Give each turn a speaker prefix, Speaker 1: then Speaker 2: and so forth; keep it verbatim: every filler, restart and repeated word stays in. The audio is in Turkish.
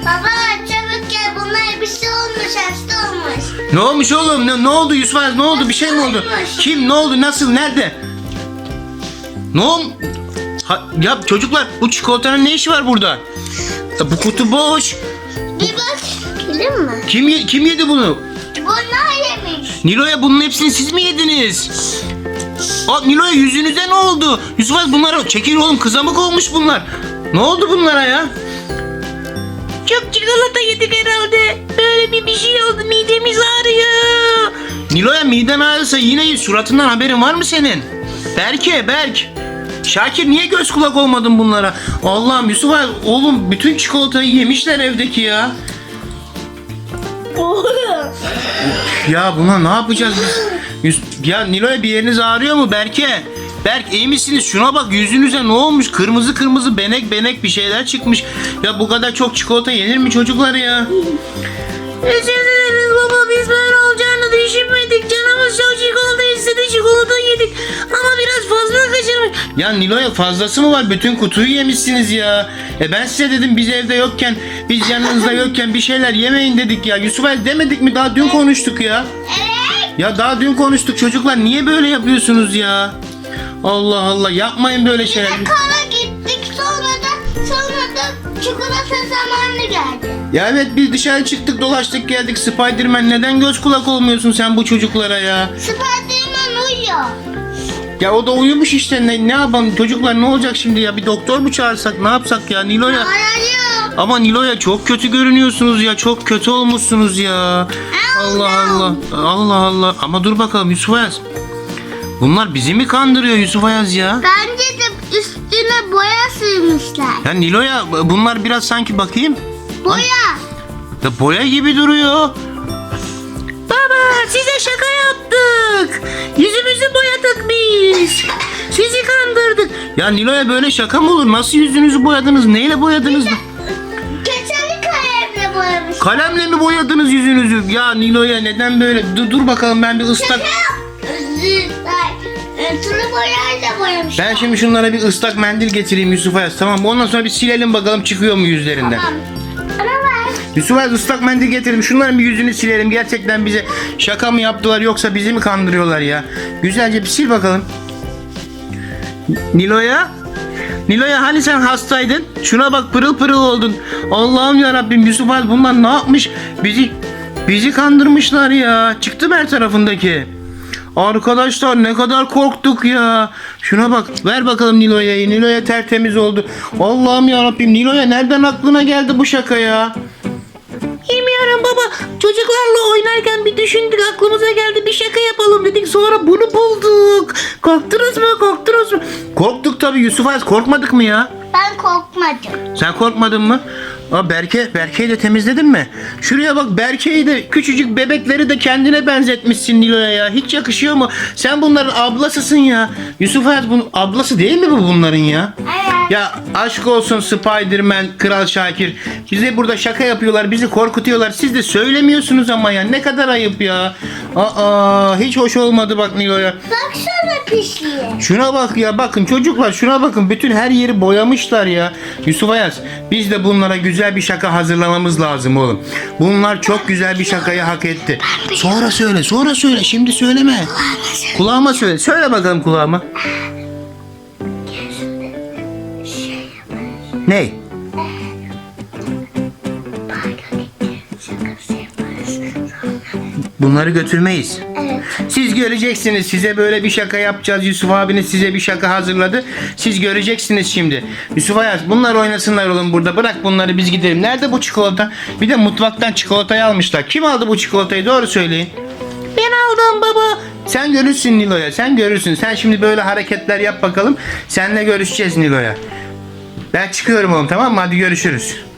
Speaker 1: Baba çabuk gel, bunlar bir şey olmuş, hasta olmuş.
Speaker 2: Ne olmuş oğlum? Ne, ne oldu Yusuf Ayaz? Ne oldu? Bir şey mi oldu? Kim? Ne oldu? Nasıl? Nerede? Ne oldu? Ha, ya çocuklar bu çikolatanın ne işi var burada? Ya bu kutu boş.
Speaker 1: Bir bak. Gelin mi?
Speaker 2: Kim ye- kim yedi bunu?
Speaker 1: Bunlar yemiş.
Speaker 2: Nilo'ya bunun hepsini siz mi yediniz? Aa, Nilo'ya yüzünüze ne oldu? Yusuf Ayaz bunlara çekil oğlum, kızamık olmuş bunlar. Ne oldu bunlara ya? Çok çikolata yedik herhalde. Böyle bir bir şey oldu, midemiz ağrıyor. Nilo'ya miden ağrıyorsa yine suratından haberin var mı senin? Berke, Berk. Şakir niye göz kulak olmadın bunlara? Allah'ım Yusuf Ayaz, oğlum bütün çikolatayı yemişler evdeki ya. Ya buna ne yapacağız biz? Yus- Ya Nilo'ya bir yeriniz ağrıyor mu Berke? Berk iyi misiniz? Şuna bak, yüzünüze ne olmuş? Kırmızı kırmızı benek benek bir şeyler çıkmış. Ya bu kadar çok çikolata yenir mi çocuklar ya? Özür dileriz baba, biz böyle olacağını düşünmedik. Canımız çok çikolata istedi, çikolata yedik. Ama biraz fazla kaçırmış. Ya Nilo'ya fazlası mı var? Bütün kutuyu yemişsiniz ya. E ben size dedim biz evde yokken, biz yanınızda yokken bir şeyler yemeyin dedik ya. Yusuf El demedik mi? Daha dün konuştuk ya.
Speaker 1: Evet.
Speaker 2: Ya daha dün konuştuk çocuklar. Niye böyle yapıyorsunuz ya? Allah Allah, yapmayın böyle şeyler.
Speaker 1: Kala gittik, sonra da sonra da çikolata zamanı geldi.
Speaker 2: Ya evet, biz dışarı çıktık dolaştık geldik. Spiderman neden göz kulak olmuyorsun sen bu çocuklara ya?
Speaker 1: Spiderman uyuyor.
Speaker 2: Ya o da uyumuş işte, ne, ne yapalım çocuklar, ne olacak şimdi ya? Bir doktor mu çağırsak, ne yapsak ya Nilo'ya?
Speaker 1: Arayıyor.
Speaker 2: Ama Nilo'ya çok kötü görünüyorsunuz ya, çok kötü olmuşsunuz ya. Allah Allah, Allah Allah. Ama dur bakalım Yusuf Ayaz. Bunlar bizi mi kandırıyor Yusuf Ayaz ya?
Speaker 1: Bence de üstüne boya sürmüşler.
Speaker 2: Ya Nilo'ya bunlar biraz sanki bakayım.
Speaker 1: Boya.
Speaker 2: Ya boya gibi duruyor. Baba size şaka yaptık. Yüzümüzü boyadık biz. Sizi kandırdık. Ya Nilo'ya böyle şaka mı olur? Nasıl yüzünüzü boyadınız? Neyle boyadınız?
Speaker 1: Keçeli kalemle boyamış.
Speaker 2: Kalemle mi boyadınız yüzünüzü? Ya Nilo'ya neden böyle? Dur, dur bakalım ben bir ıslak...
Speaker 1: Tulu boyayla boyamış.
Speaker 2: Ben şimdi şunlara bir ıslak mendil getireyim Yusuf Ayaz, tamam mı? Ondan sonra bir silelim bakalım çıkıyor mu yüzlerinden.
Speaker 1: Tamam. Bana ver.
Speaker 2: Yusuf Ayaz ıslak mendil getirdim. Şunların bir yüzünü silelim. Gerçekten bize şaka mı yaptılar yoksa bizi mi kandırıyorlar ya? Güzelce bir sil bakalım. Nilo'ya? Nilo'ya hani sen hastaydın? Şuna bak, pırıl pırıl oldun. Allah'ım ya Rabbim, Yusuf Ayaz bunlar ne yapmış? Bizi bizi kandırmışlar ya. Çıktı mı her tarafındaki? Arkadaşlar ne kadar korktuk ya. Şuna bak, ver bakalım Nilo'ya. Nilo'ya tertemiz oldu. Allah'ım ya Rabbim, Nilo'ya nereden aklına geldi bu şaka ya? Bilmiyorum baba. Çocuklarla oynarken bir düşündük, aklımıza geldi, bir şaka yapalım dedik. Sonra bunu bulduk. Korktunuz mu? Korktunuz mu? Korktuk tabii Yusuf Ayaz, korkmadık mı ya?
Speaker 1: Ben korkmadım.
Speaker 2: Sen korkmadın mı? Aa, Berke, Berke'yi de temizledin mi? Şuraya bak, Berke'yi de, küçücük bebekleri de kendine benzetmişsin Nilo'ya ya. Hiç yakışıyor mu? Sen bunların ablasısın ya. Yusuf Hayat bunun ablası değil mi bu bunların ya?
Speaker 1: Evet.
Speaker 2: Ya aşk olsun Spiderman, Kral Şakir. Bize burada şaka yapıyorlar, bizi korkutuyorlar. Siz de söylemiyorsunuz ama ya. Ne kadar ayıp ya. Aa, hiç hoş olmadı bak Nilo'ya.
Speaker 1: Baksana pisliğe.
Speaker 2: Şuna bak ya, bakın çocuklar, şuna bakın, bütün her yeri boyamışlar ya. Yusuf Ayaz, biz de bunlara güzel bir şaka hazırlamamız lazım oğlum. Bunlar çok güzel bir şakayı hak etti. Sonra söyle, sonra söyle, şimdi söyleme. Kulağıma söyle, söyle bakalım kulağıma. Ne? Bunları götürmeyiz.
Speaker 1: Evet.
Speaker 2: Siz göreceksiniz, size böyle bir şaka yapacağız. Yusuf abiniz size bir şaka hazırladı. Siz göreceksiniz şimdi. Yusuf Ayaz, bunlar oynasınlar oğlum burada. Bırak bunları, biz gidelim. Nerede bu çikolata? Bir de mutfaktan çikolatayı almışlar. Kim aldı bu çikolatayı? Doğru söyleyin. Ben aldım baba. Sen görürsün Nilo'ya, sen görürsün. Sen şimdi böyle hareketler yap bakalım. Seninle görüşeceğiz Nilo'ya. Ben çıkıyorum oğlum, tamam mı? Hadi görüşürüz.